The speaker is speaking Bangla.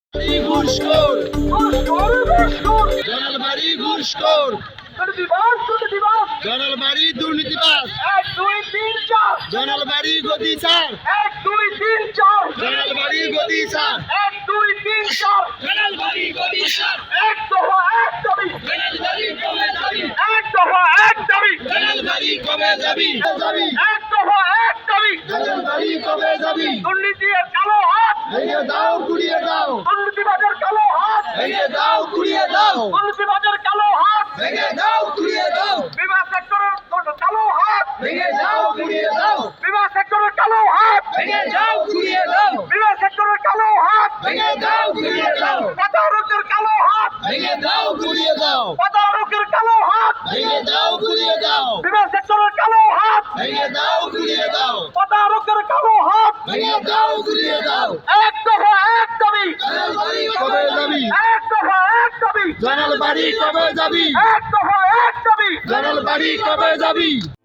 ঘুষখোর জনলবাড়ি ঘুষখোর জনলবাড়ি দুর্নীতিবাজ 1 2 3 4 জনলবাড়ি গদি স্যার 1 2 3 4 জনলবাড়ি গদি স্যার 1 2 3 4 জনলবাড়ি গদি স্যার এক দফা এক দাবি জনলবাড়ি কবে যাবি এক দফা এক দাবি জনলবাড়ি কবে যাবি যাবি এক দফা এক দাবি জনলবাড়ি কবে যাবি দুর্নীতির কালো হাত ভেঙে দাও গুড়িয়ে দাও দুর্নীতিবাজের কালো হাত ভেঙে দাও গুড়িয়ে দাও দুর্নীতিবাজের কালো হাত ভেঙে দাও গুড়িয়ে দাও বিমা সেক্টরের কালো হাত ভেঙে দাও গুড়িয়ে দাও বিমা সেক্টরের কালো হাত ভেঙে দাও গুড়িয়ে দাও বিমা সেক্টরের কালো হাত ভেঙে দাও গুড়িয়ে দাও তদারকের কালো হাত ভেঙে দাও গুড়িয়ে দাও তদারকের কালো হাত ভেঙে দাও গুড়িয়ে দাও বিমা সেক্টরের কালো হাত ভেঙে দাও গুড়িয়ে দাও তদারকের কালো হাত ভেঙে দাও গুড়িয়ে দাও এক দফা এক দাবি জনলবাড়ি কবে যাবি এক দফা এক দাবি জনলবাড়ি কবে যাবি এক দফা এক দাবি জনলবাড়ি কবে যাবি